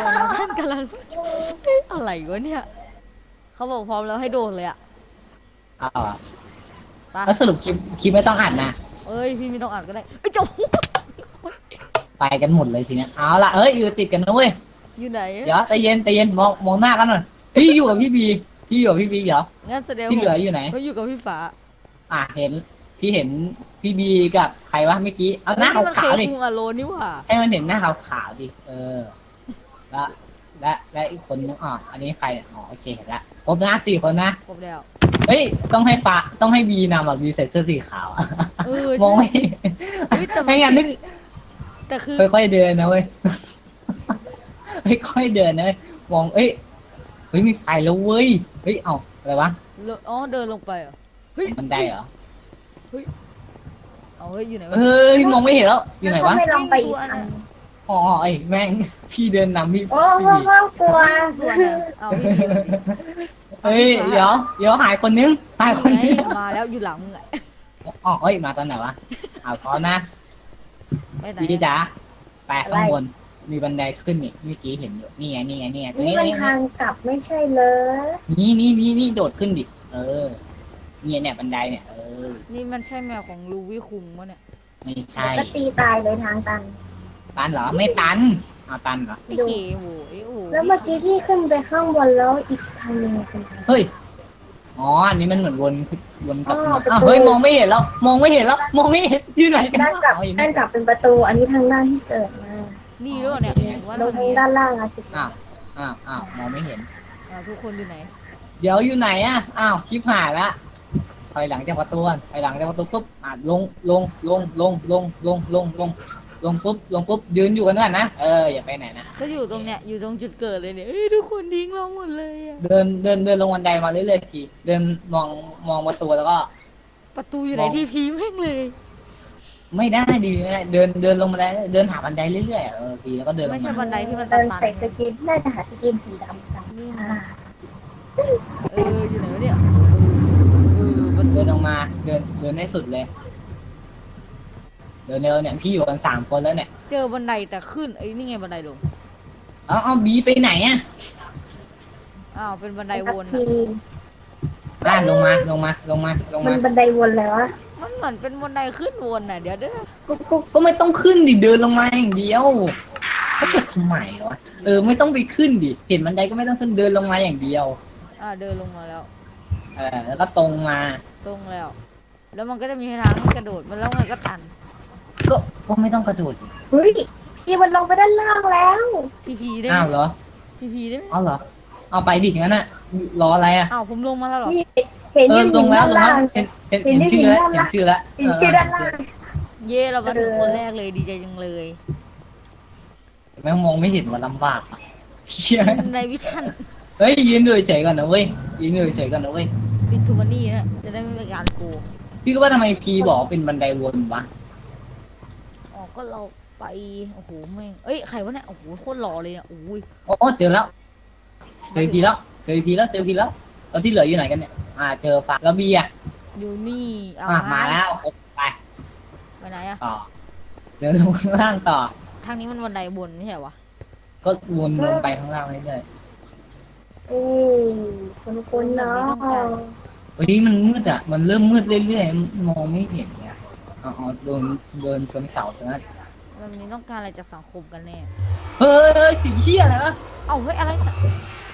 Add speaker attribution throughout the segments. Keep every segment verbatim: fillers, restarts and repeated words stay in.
Speaker 1: ยวนะท่านกำลังเอ๊ะอะไรวะเนี่ยเขาบอกพร้อมแล้วให้โดดเลยอะ
Speaker 2: เอาอะ
Speaker 1: ไป
Speaker 2: แล้วสรุปคลิปคลิปไม่ต้องอัดนะ
Speaker 1: เอ้ยพี่ไม่ต้องอ่านก็ได้เอ้ยเจ้า
Speaker 2: ไปกันหมดเลยทีเนี้ยเอาละเอ้ยอยู่ติดกันนะเว้ย
Speaker 1: อยู่ไหน
Speaker 2: เดี๋ยวใจเย็นใจเย็นมองมองหน้ากันหน่อยพี่อยู่กับพี่บีพี่อยู่กับพี่บีเดี๋ยว
Speaker 1: งั้นแสดง
Speaker 2: ที่
Speaker 1: ผม
Speaker 2: เหลืออยู่ไหน
Speaker 1: เขาอยู่กับพี่ฟ้า
Speaker 2: อ่ะเห็นพี่เห็นพี่บีกับใครวะเมื่อกี้เอาห
Speaker 1: เฮ้ย
Speaker 2: น้า
Speaker 1: นี่มันเค
Speaker 2: ขาวๆดิ
Speaker 1: คุงอโลนี่หว่า
Speaker 2: ให้มันเห็นหน้าขาวๆดิเออและและและอีกคนนึงอ๋ออันนี้ใครอ๋อโอเคเห็นละครบนะสี่คนนะ
Speaker 1: ครบแล้ว
Speaker 2: เฮ้ยต้องให้ฟ้าต้องให้บีนำอ่ะบีใส่เสื้อสีขาวอะ
Speaker 1: เออ
Speaker 2: มอง
Speaker 1: ใช่
Speaker 2: ไม่
Speaker 1: เฮ้ยแต่มั
Speaker 2: ไม่
Speaker 1: น
Speaker 2: งั้นนึก
Speaker 1: แต่คือ
Speaker 2: ค่อยๆเดินนะเว้ยค่อยๆเดินนะเว้ยมองเอ้ยเฮ้ยมีไฟแล้วเว้ยเฮ้ยเอาอะไรวะ
Speaker 1: อ๋อเดินลงไปเหรอเฮ้ย
Speaker 2: บันไดเหรอ
Speaker 1: เฮ้ยเอาเฮ้ยอยู่ไหนวะ
Speaker 2: เฮ้ยมองไม่เห็นแล้วอยู่ไหนวะ
Speaker 3: ไม่ลองไปอีกอัน
Speaker 2: อ๋อไอ้แม่งพี่เดินนำพี่
Speaker 3: โอ้
Speaker 2: พี่
Speaker 3: โหกลัว
Speaker 1: ส่วนอ่ะเอาพี่ดีมาดิ
Speaker 2: เฮ้ยเดี๋ยวเดี๋ยวหายคนนึงหายคน
Speaker 1: นี่
Speaker 2: นึง
Speaker 1: ไงมาแล้วอยู่หลังมึงอะ
Speaker 2: อ๋อเฮ้ยมาตอนไหนวะเอาพร้อมนะ
Speaker 1: ไปไหน
Speaker 2: พี่
Speaker 1: อะ
Speaker 2: จ๋าไปข้างบนมีบันไดขึ้นนี่เมื่อกี้เห็นอยู่นี่ไงนี่ไงนี่ไงตรง
Speaker 3: นี่
Speaker 2: นี้
Speaker 3: มัน
Speaker 2: นี่
Speaker 3: ทางกลับไม่ใช่เลย
Speaker 2: นี่นี่นี่นี่โดดขึ้นดิเออเนี่ยเนี่ยบันไดเนี่ยเออ
Speaker 1: นี่มันใช่แมวของลูวี่คุงปะเนี่ย
Speaker 2: ไม่ใช่
Speaker 3: ก็ตีตายเลยทางตัน
Speaker 2: ตันเหรอไม่ตันเอาตันเหรอ
Speaker 1: ไอ้เคโว้ยโอ้โห
Speaker 3: แล้วเมื่อกี้ที่ขึ้นไปข้างบนแล้วอีกทางหนึงเป็นทาง
Speaker 2: เฮ้ยอ๋ออันนี้มันเหมือนวนวนกลับ
Speaker 3: อ๋อ
Speaker 2: มา
Speaker 3: ประตู
Speaker 2: อ้าวเฮ้ยมองไม่เห็นแล้วมองไม่เห็นแล้วมองไม่เห็นอยู่ไหนกัน
Speaker 3: ด้านกลับ
Speaker 2: อ๋ออยู่
Speaker 3: ด้า
Speaker 2: นี่
Speaker 3: นกลับเป็นประตู อันนี้ทางด้านที่เกิดมา
Speaker 1: นี่ด้วยเนี่ยผมว่า
Speaker 3: ล
Speaker 1: ตรง ง
Speaker 3: ทาง
Speaker 1: นี้
Speaker 3: ด้านล่างอะสิ
Speaker 2: อ้าวอ้าวอ้าวมองไม่เห็น
Speaker 1: อ่าทุกคนอยู่ไหน
Speaker 2: เดี๋ยวอยู่ไหนอ่ะอ้าวคลิปหายละถอยหลังจากประตูก่อนถอยหลังจากประตูปุ๊บอ่ะลงลงลงลงลงลงลงลงลงปุ๊บลงปุ๊บยืนอยู่กันนั่นนะเอออย่าไปไหนนะ
Speaker 1: ก็อยู่ตรงเนี้ยอยู่ตรงจุดเกิดเลยเนี่ยเอ้ยทุกคนทิ้งเราหมดเลยอะ
Speaker 2: เดินเดินเดินลงบันไดมาเรื่อยๆทีเดินมองมองประตูแล้วก็
Speaker 1: ประตูอยู่ไหนที่พีแม่งเลย
Speaker 2: ไม่ได้ดีไม่ได้เดินเดินลงบันไดเดินหาบันไดเรื่อยๆอ่ะเออทีแล้วก็เดินล
Speaker 1: ไม่
Speaker 2: ง
Speaker 1: ใช่
Speaker 2: มา
Speaker 1: บันไดที่มันตั
Speaker 3: เดิ
Speaker 1: น
Speaker 3: น
Speaker 1: ตัน
Speaker 3: ใส่สกินน่าจะหาสกินสีดำกัน
Speaker 1: นี่
Speaker 3: อ่า
Speaker 1: เอออยู่ไหนวะเนี่ยเออเออประตู
Speaker 2: เดินออกมาเดินเดินให้สุดเลย เดินเร็วเนี่ยพี่อยู่กันสามคนแล้วเนี่ย
Speaker 1: เจอบันไดแต่ขึ้นไอ้ยนี่ไงบันไดลง
Speaker 2: เอาเอาบีไปไหนอ่ะ
Speaker 1: อ้าวเป็นบันไดวน
Speaker 3: ที
Speaker 1: อะ
Speaker 2: อ่ะลงมาลงมาลงมาลง
Speaker 3: มั
Speaker 2: มาน
Speaker 3: บันไดวนแล้วอะ
Speaker 1: มันเหมือนเป็นบันไดขึ้นวนน่ะเดี๋ยวเด้อ
Speaker 2: ก็ก็ก็ไม่ต้องขึ้นดิเดินลงมาอย่างเดียวเขาจะทำไมวะเออไม่ต้องไปขึ้นดิเห็นบันไดก็ไม่ต้องขึ้นเดินลงมาอย่างเดียว
Speaker 1: อ่าเดินลงมาแล้ว
Speaker 2: เออแล้วก็ตรงมา
Speaker 1: ตรงแล้ว แล้วมันก็จะมีทางให้กระโดดมันแล้วไงก็ตัน
Speaker 2: ก็ก็ไม่ต้องกระโดดดิ
Speaker 3: เฮ้ยพี่มันลงไปด้านล่างแล้ว
Speaker 1: ทีพีได้ไห
Speaker 2: อ้าว
Speaker 1: ม
Speaker 2: เหรอ
Speaker 1: ทีพีได้ไหม
Speaker 2: เอาเหรอเอาไปดิงั้นน่ะรออะไรอ่ะ
Speaker 1: อ้าวผมลงมาแล้วเหรอ
Speaker 3: นี่เห็น
Speaker 2: เอ
Speaker 3: ยื
Speaker 2: อน ล
Speaker 3: หิ
Speaker 2: ง
Speaker 3: น
Speaker 2: แล้ว
Speaker 3: ด้าน
Speaker 2: ลง
Speaker 3: ล่า
Speaker 2: แล้ว
Speaker 3: ง
Speaker 2: เห็นเห็น
Speaker 3: เห็
Speaker 2: เห็
Speaker 3: น
Speaker 2: น
Speaker 3: ได้
Speaker 2: ชื่อแล้ว
Speaker 3: ยินด้าน
Speaker 2: เห็นชื่อแล้ว
Speaker 3: เห็นชื่อด้านล่าง
Speaker 1: เย่เราเป็นถูกคนแรกเลยดีใจจังเลย
Speaker 2: แม่งมองไม่เห็นว่าลำบากอะเหี้ย
Speaker 1: ในวิชั่น
Speaker 2: เฮ้ยยืนดูเฉยๆก่อนนะเว้ยยืนดูเฉยๆก่อนนะเว้ย
Speaker 1: ปิดทูมันนี่นะจะได้ไม่เป็นการโกง
Speaker 2: พี่ก็ว่าทำไมพีบอกว่าเป็นบันไดวนวะ
Speaker 1: อ๋อก็เราไปโอ้โหแม่งเอ้ยใครวะเนี่ยโอ้โหโคตรหล่อเลยเนี่ยโอ้ย
Speaker 2: โอ้เจอแล้วเจอพีแล้วเจอพีแล้วเจอพีแล้วตอนที่เหลืออยู่ไหนกันเนี่ยอ่าเจอฟ้าแล้วบีอ่ะ
Speaker 1: อยู่นี่เอา
Speaker 2: อ่ะ
Speaker 1: ห
Speaker 2: มาแล้วไป
Speaker 1: ไปไหนอะ
Speaker 2: ต่อเดินลงข้างล่างต่อ
Speaker 1: ทางนี้มันบันไดบนไม่ใช่เหรอวะ
Speaker 2: ก็วนลงไปข้างล่างเรื่อย
Speaker 3: เอ้ยคนคนๆเนาะ
Speaker 2: ๆเฮ้ยมันมืดอ่ะมันเริ่มมืดเรื่อยๆมองไม่เห็นเนี่ยอ๋อโดนเดินชนเสาตรงนั้น
Speaker 1: แบบนี้ต้องการอะไรจากสังคมกันแน่
Speaker 2: เฮ้ยสิ่งเหี้ยอะไรวะ
Speaker 1: เอ้าเฮ้ยอะไรเนี่ย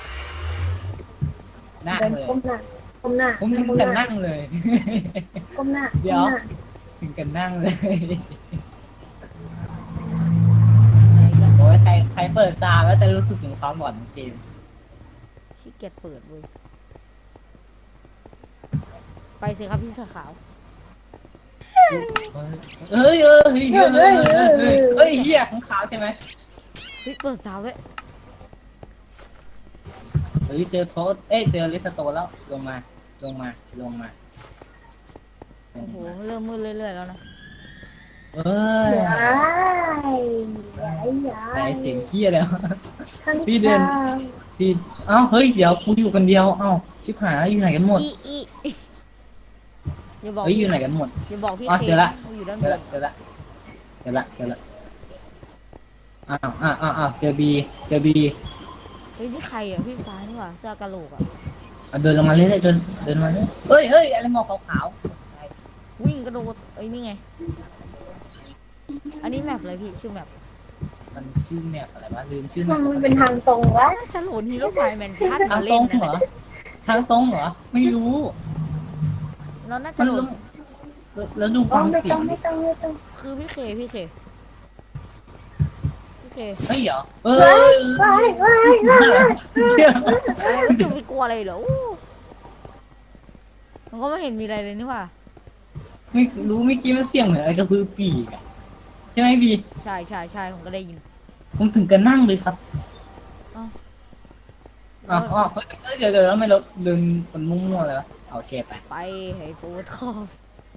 Speaker 2: นั่ง
Speaker 3: เดิน
Speaker 2: เลย
Speaker 3: ก้มหน้าก้มหน้า
Speaker 2: ผมถึง
Speaker 3: ก้ม
Speaker 2: กัน
Speaker 3: หน้า
Speaker 2: นั่งเลย
Speaker 3: ก้มหน้า
Speaker 2: เดี๋ยว
Speaker 3: ก้มหน้า
Speaker 2: ถึงกันนั่งเลย
Speaker 1: ไหนกัน
Speaker 2: โอ้ยใครใครเปิดตาแล้วจะรู้สึกถึงความหลอนของเกม
Speaker 1: ขี้เกียจเปิดเว้ยไปสิครับพี่เสื้อขาว
Speaker 2: เฮ้ยเฮ้ยเฮ้ยเฮ้ยเฮ้ยเฮ้ยเฮ้ยเหี้ยของขาวใช่ไหม
Speaker 1: เฮ้ยเปิดสาวด้วย
Speaker 2: เฮ้ยเจอโทษเอ้ยเจอลิสโตแล้วลงมาลงมาลงมาล
Speaker 1: โอ้
Speaker 2: ง
Speaker 1: โห
Speaker 2: มา
Speaker 1: เริ่มมืดเรื่อยๆแล้วนะ
Speaker 2: เอ้ย
Speaker 3: ย้ายย้ายย้า
Speaker 2: แต่
Speaker 3: ย
Speaker 2: เสียงเหี้ยแล้ว
Speaker 3: ข้าง
Speaker 2: พี่เดิน
Speaker 3: ทาง
Speaker 2: พี่เอ้าเฮ้ยเดี๋ยวกูอยู่คนเดียวเอ้าชิบหายแล้วอยู่ไหนกันหมด
Speaker 1: อีอีอย่าบอก
Speaker 2: เฮ้ยอยู่ไหนกันหมด
Speaker 1: อย่าบอกพี่
Speaker 2: อ๋อ
Speaker 1: เค
Speaker 2: เจอละ
Speaker 1: ว่าอยู่ด้าน
Speaker 2: เจ
Speaker 1: บ
Speaker 2: อน ละเจอละเจอละเจอละอ้าวอ้าวอ้าวอ้าวเจอบีเจอบี
Speaker 1: เฮ้ยนี่ใครอ่ะพี่ฟ้านี่หว่าเสื้อกะโหลกอ่ะ
Speaker 2: เดินลงมาเรื่อยๆเดินเดินมาเรื่อยเฮ้ยเฮ้ยอะไรมองขาว
Speaker 1: วิ่งกระโดดเอ้ยนี่ไงอันนี้แมปอะไรพี่ชื่อแมป
Speaker 2: ๆมันชื่อแมปอะไรวะลืมชื่อแม
Speaker 3: มัน
Speaker 2: ป
Speaker 3: มันเป็นทางตรงวะ
Speaker 1: น่าจะโหลดฮีโร่ไฟแมนชั่น
Speaker 2: ทาง
Speaker 1: มา
Speaker 2: ตร
Speaker 1: เล่น
Speaker 2: ง
Speaker 1: นะ
Speaker 2: เหรอ
Speaker 1: เนี่ย
Speaker 2: ทางตรงเหรอไม่รู้
Speaker 1: เราน่าจะ
Speaker 2: มัน
Speaker 1: โหล
Speaker 2: ล
Speaker 1: ด
Speaker 2: งแล้วดู
Speaker 3: อ๋
Speaker 2: ฟั
Speaker 3: อง ไม่
Speaker 2: เสี
Speaker 3: ต้
Speaker 2: ย
Speaker 3: อง
Speaker 2: ง
Speaker 3: ไม่ต้องไม่ต้อง
Speaker 1: คือพี่เคพี่เคพี่เค
Speaker 2: เฮ้ยเหรอเออ
Speaker 3: ว้ายว้ายว้าย
Speaker 1: อะไรก็จะไปกลัวอะไรเหรออู้มันก็ไม่เห็นมีอะไรเลยนี่หว่า
Speaker 2: ไม่รู้เมื่อกี้มันเสียงเหมือนอะไรกระพือปีกอะใช่ไหมบี
Speaker 1: ใช่ใช่ใช่ผมก็ได้ยิน
Speaker 2: ผมถึงกันนั่งเลยครับ
Speaker 1: อ๋อ
Speaker 2: อ๋ออ๋อเฮ้ยเดี๋ยวเดี๋ยวแล้วไม่รถเดินคนมุ่งๆเลยวะโอเคไป
Speaker 1: ไปให้สูดคอส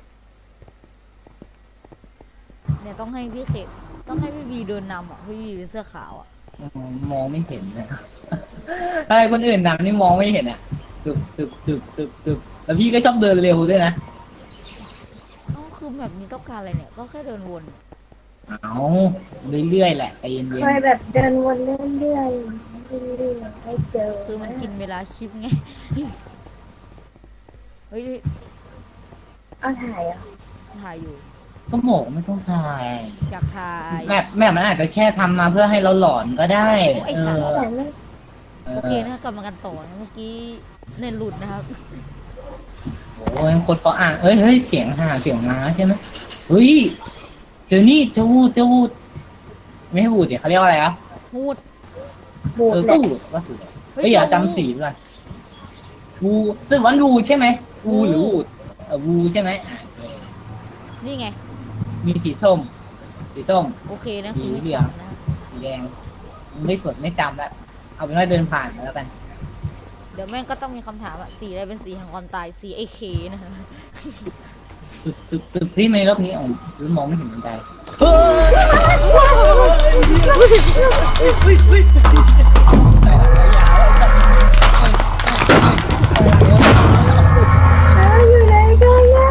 Speaker 1: เนี่ยต้องให้พี่เคต้องให้พี่บีเดินนำอ่ะพี่บีเป็นเสื้อขาวอ่ะ
Speaker 2: อืมมองไม่เห็นนะอะไรคนอื่นนำนี่มองไม่เห็นอ่ะตึบตึบตึบตึบตึบแล้วพี่ก็ชอบเดินเร็วด้วยนะ
Speaker 1: อ๋อคือแบบนี้ต้องการอะไรเนี่ยก็แค่เดินวน
Speaker 2: เอาเรื่อยๆแหละใจเย็น
Speaker 3: เคยแบบเดินวนเรื่อยๆเรื่อยๆให้เจอ
Speaker 1: คือมันกินเวลาคลิปไงเฮ้ย
Speaker 3: เอาถ่ายอ่ะ
Speaker 1: ถ่ายอยู่
Speaker 2: ๆก็บอกไม่ต้องถ่าย
Speaker 1: อยากถ่าย
Speaker 2: แม่แม่มันอาจจะแค่ทำมาเพื่อให้เราหลอนก็ได้
Speaker 1: โอ้ไอ้
Speaker 2: เอ
Speaker 1: สัตว์
Speaker 2: อ
Speaker 3: แต่ไม่
Speaker 2: เอ
Speaker 1: โอเค
Speaker 2: อ
Speaker 1: นะกลับมากันต่อนะเมื่อกี้เน็ตหลุดนะครับ
Speaker 2: โอ้ยคนเขาอ่านเอ้ยเฮ้ยเสียงห่าเสียงม้าใช่ไหมเฮ้ยเจอนี่เจะวูดเจะวูดไม่ให้วูดเดี๋ยวเขาเรียกว่าอะไรอ่ะ
Speaker 1: พูด
Speaker 3: บูด
Speaker 2: เออ
Speaker 3: เล
Speaker 2: ก็
Speaker 3: ย
Speaker 2: วูดว่าถูกเฮ้ยอย่าจำสีด้วยวูซึ่งวันวูใช่ไหมวูหรือวูดเออวูใช่ไหมอ่าโอเค
Speaker 1: นี่ไง
Speaker 2: มีสีส้ม สีส้ม
Speaker 1: โอเคนะ
Speaker 2: สี
Speaker 1: คุณผู้
Speaker 2: เหลื
Speaker 1: ช
Speaker 2: อง
Speaker 1: มนะ
Speaker 2: สีแดงไม่สดไม่จำแล้วเอาเป็นว่าเดินผ่านมาแล้วกัน
Speaker 1: เดี๋ยวแม่งก็ต้องมีคำถามอะสีอะไรเป็นสีแห่งความตายสีไอเคนะคะ
Speaker 2: ตึกตึกตึกที่ในรอบนี้อ๋อหรือมองไม่เห็นบันได
Speaker 3: แล้วอยู่ไหนกันนะ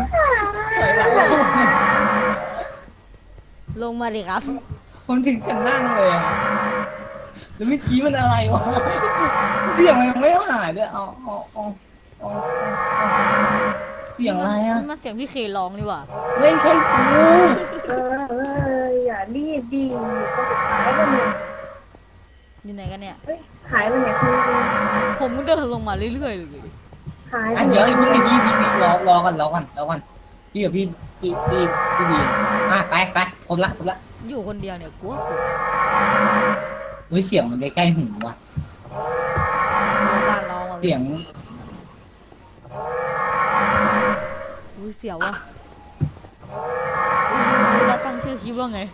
Speaker 1: ลงมาดิครับ
Speaker 2: ผมถึงกันนั่งเลยอะแล้วเมื่อกี้มันอะไรวะเสียงมันยังไม่หายด้วยเอาเอาเอาเอาเสียงอะไรอ่ะ
Speaker 1: มันมาเสียงพี่เคร้องดีกว่า
Speaker 2: ไม่ใช่กู
Speaker 3: เออเอออย่ารีบดีเขาจะขายกันเนี่ย
Speaker 1: อยู่ไหนกันเนี่ย
Speaker 3: เฮ้ยขายมันเนี่ยคุณจริง
Speaker 1: ผมก็เดินลงมาเรื่อยๆเลย
Speaker 3: ขาย
Speaker 2: อันเดี๋ยวไอ้พวกนี้พี่พี่พี่รอรอกันรอกันรอกันพี่กับพี่พี่พี่พี่บีอ่ะไปไปครบละครบละ
Speaker 1: อยู่คนเดียวเนี่ยกลัวกลัว
Speaker 2: เฮ้ยเสียงมันใกล้ๆหูว่ะ
Speaker 1: เสียงเรือบ้านร้องอ่ะ
Speaker 2: เสียง
Speaker 1: อุ้ยเสียวว่ะอุ้ยลืมลืมแล้วตั้งชื่อคลิปว่าไง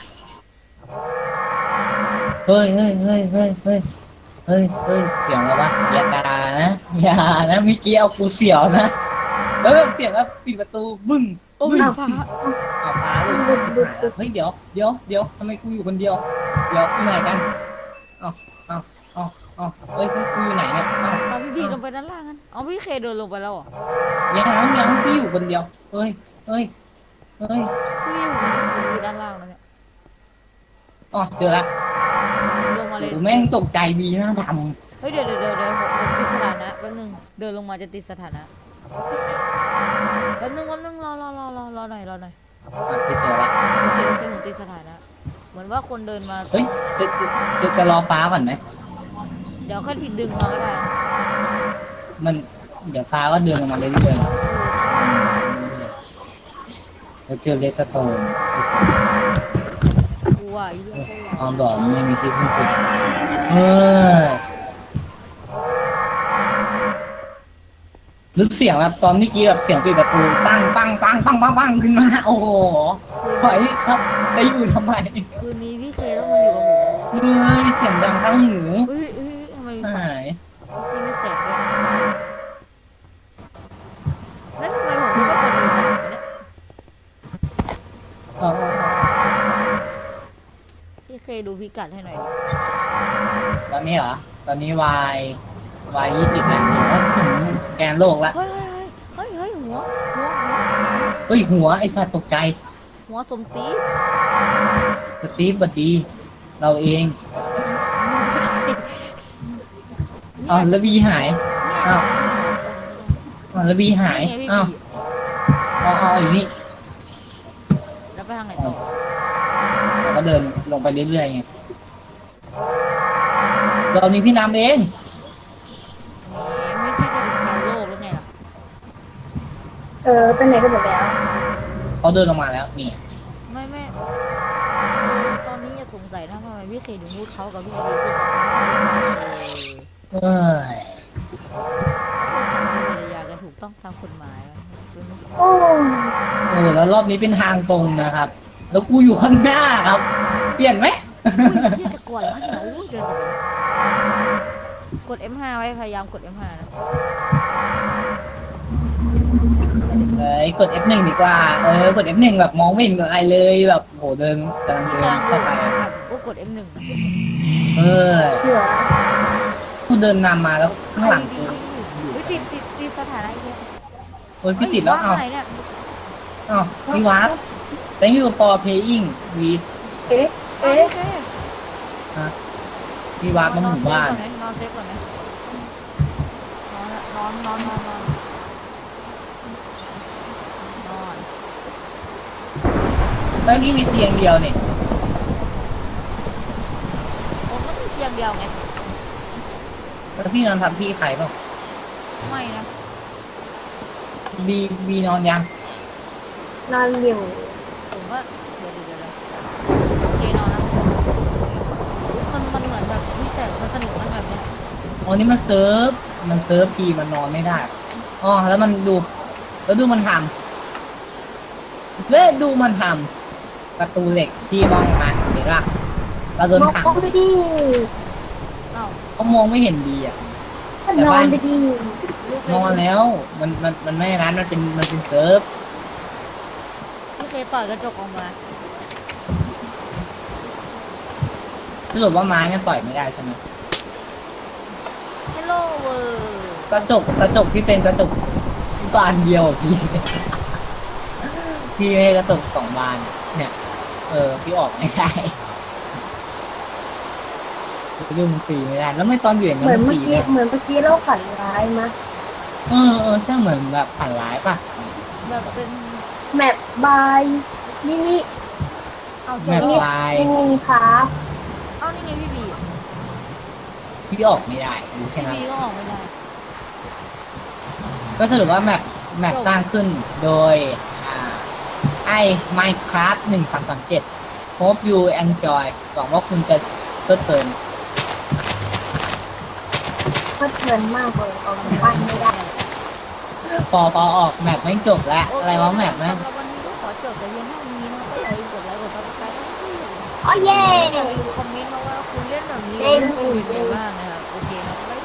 Speaker 2: เฮ้ยเฮ้ยเฮ้ยเฮ้ยเฮ้ยเฮ้ยเฮ้ยเสียงอะไรวะอย่านะอย่านะเมื่อกี้เอากูเสียวนะแล้วแบบเสียงแล้วปิดประตูบึ้ง
Speaker 1: โอ้ยฟ้า
Speaker 2: เอาพาเลยเฮ้ยเดี๋ยวเดี๋ยวเดี๋ยวทำไมกูอยู่คนเดียว เดี๋ยวที่ไหนกันเอาเอาเอาเอาเฮ้ยกูอยู่ไหนเนี่ยเอา
Speaker 1: เอาพี่บีลงไปด้านล่างกันเอาพี่เคเดินลงไปแล้วเหรอ
Speaker 2: ยังยังพี่อยู่คนเดียวเฮ้ยเฮ้ยเฮ้ย
Speaker 1: พี่บีผมอยู่ด้านล่างแล้วเนี่ย
Speaker 2: อ๋อเจอละ
Speaker 1: ลงมาเลย
Speaker 2: กูแม่งตกใจบีหน้าด
Speaker 1: เฮ้ยเดี๋ยวเดี๋ยวเดี๋ยวเดี๋ยวผมติดสถานะแป๊บนึงเดินลงมาจะติดสถานะแป๊บนึงแป๊บนึงรอรอรอรอรอหน่อยรอหน่อย
Speaker 2: ำอ่ะพี่เจอละ
Speaker 1: โอเคโอเคผมติดสถานะ เหมือนว่าคนเดินมา
Speaker 2: เฮ้ยจะจะจะจะรอฟ้าก่อนไหม
Speaker 1: เดี๋ยวค่อยทีดึงมาก็ได้
Speaker 2: มันเดี๋ยวฟ้าก็เดินลงมาเรื่อยๆแล้วเจอเลสโตน
Speaker 1: กลัวไอ้เรื่อง
Speaker 2: ความหลอนไม่มีที่สิ้นสุดเออรู้เสียงแบบตอนเมื่อกี้แบบเสียงปิดประตูปังปังปังปังปังปังขึ้นมาโอ้โห
Speaker 1: คืน
Speaker 2: ไหวครับจะอยู่ทำไม
Speaker 1: คืนนี้พี่เคต้องมาอยู่กับผม
Speaker 2: เฮ้ยเสียงดังทั้งหู
Speaker 1: เฮ้ยเฮ้ยทำไมมีไฟ
Speaker 2: หาย
Speaker 1: ที่มีแสงด้วยแล้วทำไมผมดูว่าคนเดินดังวะเนี่ย
Speaker 2: อ๋ออ๋ออ๋อ
Speaker 1: พี่เคดูพิกัดให้หน่อยดิ
Speaker 2: ตอนนี้เหรอ ตอนนี้วายวายยี่สิบแล้วถึงถึงแกนโลกแล้ว
Speaker 1: เฮ้ยเฮ้ยเฮ้ยเฮ้ยหัวหัวหัว
Speaker 2: เฮ้ยหัวไอ้สัตว์ตกใจ
Speaker 1: หัวสมตี
Speaker 2: สตีฟบัดดีเราเอง
Speaker 1: เนี่ย
Speaker 2: อ้าวแล้วบีหาย อ้าว อ้าวแล้วบีหาย
Speaker 1: นี่ไงพี่
Speaker 2: อ้าว
Speaker 1: บี
Speaker 2: เอาเอาอยู่นี่
Speaker 1: แล้วไปทางไหนต่อ
Speaker 2: เราก็เดินลงไปเรื่อยๆไงเรานี้พี่น้ำเอง
Speaker 1: แหมไม่ใช่จะถึงแกโลกแล้วไงล่ะ
Speaker 3: เออเป็นไหนกันหมดแล้ว
Speaker 2: เขาเดินลงมาแล้วนี่
Speaker 1: ไม่ไม่เออตอนนี้อย่าสงสัยนะทำไมพี่เคถึงพูดเขากับพี่บีคือสองคนนี้
Speaker 2: เอ้ย
Speaker 1: เป็นสามีภรรยากันถูกต้องตามกฎหมายอะคือไม่ใช่
Speaker 3: โอ้
Speaker 2: โอ้แล้วรอบนี้เป็นทางตรงนะครับ แล้วกูอยู่ข้างหน้าครับ เปลี่ยนไหม
Speaker 1: อุ้ยเหี้ยจะกลัวแล้วเนี่ยอุ้ยเดินไปเลยกด เอ็ม ห้า ไว้พยายามกด เอ็ม ห้า นะ
Speaker 2: เอ้ยกด เอฟ หนึ่ง ดีกว่า เออกด เอฟ หนึ่ง แบบมองไม่เห็นอะไรเลยแบบโหเดินกำลัง
Speaker 1: ที่
Speaker 2: เดิ
Speaker 1: ก
Speaker 2: น
Speaker 1: ลางโล
Speaker 2: เข้าก ไป
Speaker 1: อ่ะผมก็กด เอ็ม หนึ่ง นะ
Speaker 2: เออ
Speaker 3: เหลือ
Speaker 2: กูเดินนำมาแล้วข้างหลัง
Speaker 1: ดี
Speaker 2: กู
Speaker 1: อุ้ยติดติดติดสถานะอีกแล้ว
Speaker 2: โอ้ยพี่ติดแล้ว
Speaker 1: ฮ้ย
Speaker 2: เอ้า
Speaker 1: ไหนเนี่ย
Speaker 2: เอ้าพี่วัด thank you for playing with
Speaker 3: เอ๊ะ
Speaker 1: เอ๊ะ
Speaker 3: เอ๊ะ
Speaker 2: พี่วัดมาหมู่บ้าน
Speaker 1: นอนเซฟก่อนไหมนอนเซฟก่อนไหมนอนนอนนอนนอนนอน
Speaker 2: แล้วนี่มีเตียงเดียวเนี่ย
Speaker 1: ผมก็มีเตียงเดียวไง
Speaker 2: แล้วพี่นอนทับที่ใครเปล่า
Speaker 1: ไม่นะ
Speaker 2: บีบีนอนยัง
Speaker 3: นอนอยู่
Speaker 1: ผมก็เดี๋ยวเดี๋ยวเดี๋ยวโอเคนอนนะอุ๊ยมันมันเหมือนแบบนี่แต่มันสนุกนะแบบเนี้ย
Speaker 2: อ๋อนี่มันเซิร์ฟ มันเซิร์ฟทีมันนอนไม่ได้ อ๋อ แล้วมันดู แล้วดูมันทำแล้วดูมันทำประตูเหล็กที่มองมาเห็นปะเราโดน
Speaker 3: มอง
Speaker 2: ขัง
Speaker 3: ไปดิ
Speaker 1: เอ้า
Speaker 2: เขามองไม่เห็นดีอ่ะ
Speaker 3: ก็นอนไปดิ
Speaker 1: ลูก
Speaker 2: นอนแล้ว มัน มัน มันไม่ร้านมันเป็น มันเป็นเซิร์ฟ
Speaker 1: พี่เคต่อยกระจกออกมา
Speaker 2: สรุปว่าไม้มันต่อยไม่ได้ใช่ไหม
Speaker 1: ฮัลโหลเวอร์
Speaker 2: กระจก กระจกที่เป็นกระจกบานเดียวอะพี่ พี่ไม่ให้กระจกสองบาน เนี่ย เออ พี่ออกไม่ได้ยุ่งตีไม่ได้ แล้วไม่ตอนอยู่อย่าง
Speaker 3: เหมื
Speaker 2: นั้
Speaker 3: อน
Speaker 2: น
Speaker 3: เมื่อ
Speaker 2: ตี
Speaker 3: กี้
Speaker 2: เนี่ย
Speaker 3: เหมือนเมื่อกี้เราฝันร้ายมะ
Speaker 2: เออเออใช่เหมือนแบบผ่านร้ายป่ะ
Speaker 1: แบบเป็น
Speaker 3: แมปบายนี่นี่
Speaker 1: เอาจ
Speaker 2: แบบ บ
Speaker 1: แล้ว
Speaker 2: ลาย
Speaker 3: นี่นี่ครับ
Speaker 1: เอานี่ไงพี่บี
Speaker 2: พี่ออกไม่ได้รู้แค่
Speaker 1: พี่
Speaker 2: นั้น
Speaker 1: บีก็ออกไม่ได้
Speaker 2: ก็สรุปว่าแมปแมปสร้างขึ้นโดยอ่าไอ้ Minecraft หนึ่งสามสามเจ็ด Hope you enjoy หวังว่าคุณจะเพลิดเพลิน
Speaker 3: ก็เทินมากเลยออกจากบ้านไม่ได้
Speaker 2: พอพอออกแมปไม่จบแล้ว อะไรวะแมปนะ
Speaker 1: สำหรับวันนี้ก็ขอจบแต่เพียงเท่านี้นะก็อย่าลืมกดไลค์กดซับสไครต์
Speaker 3: อ๋อเย่
Speaker 1: อย่าลืมคอมเมนต์มาว่าคุณเล่นแบบนี้คุณเล่นเป็นยังไงบ้างนะครับโอเคครับบ๊าย